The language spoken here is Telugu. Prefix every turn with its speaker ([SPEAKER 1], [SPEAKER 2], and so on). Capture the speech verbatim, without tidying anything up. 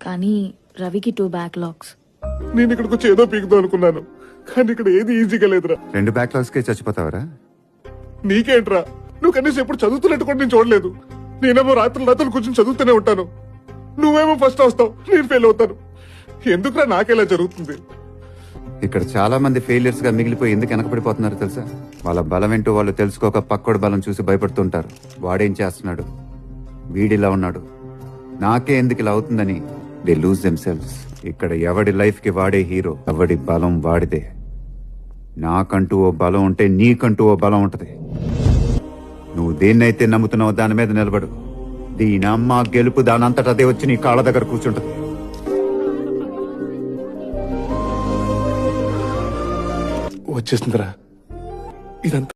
[SPEAKER 1] కానీ రవికి టూ బ్యాక్లాగ్స్.
[SPEAKER 2] నేను ఇక్కడికి వచ్చి ఏదో పీకుదాం అనుకున్నాను, కానీ ఇక్కడ ఏది ఈజీగా లేదురా.
[SPEAKER 3] రెండు బ్యాక్లాగ్స్ కే చచ్చిపోతావరా?
[SPEAKER 2] నీకేంట్రా, నువ్వు కనీసం ఎప్పుడు చదువుతున్నట్టు కూడా నేను చూడలేదు. నేనేమో రాత్రులు రాత్రులు కూర్చొని చదువుతూనే ఉంటాను, నువ్వేమో ఫస్ట్ వస్తావు, నేను ఫెయిల్ అవుతాను. ఎందుకురా నాకేలా జరుగుతుంది?
[SPEAKER 3] ఇక్కడ చాలా మంది ఫెయిలియర్స్ గా మిగిలిపోయి ఎందుకు వెనకబడిపోతున్నారు తెలుసా? వాళ్ళ బలం ఏంటో వాళ్ళు తెలుసుకోక పక్కోడి బలం చూసి భయపడుతుంటారు. వాడేం చేస్తున్నాడు, వీడిలా ఉన్నాడు, నాకే ఎందుకు ఇలా అవుతుందని దే లూజ్ దెమ్ సెల్వ్స్. ఇక్కడ ఎవడి లైఫ్ కి వాడే హీరో, ఎవడి బలం వాడిదే. నాకంటూ ఓ బలం ఉంటే నీకంటూ ఓ బలం ఉంటది. నువ్వు దేన్నైతే నమ్ముతున్నావో దాని మీద నిలబడు. దీని అమ్మ గెలుపు దానంతట అదే వచ్చి నీ కాళ్ళ దగ్గర కూర్చుంటది.
[SPEAKER 2] వచ్చేసిందిరా ఇదంతా.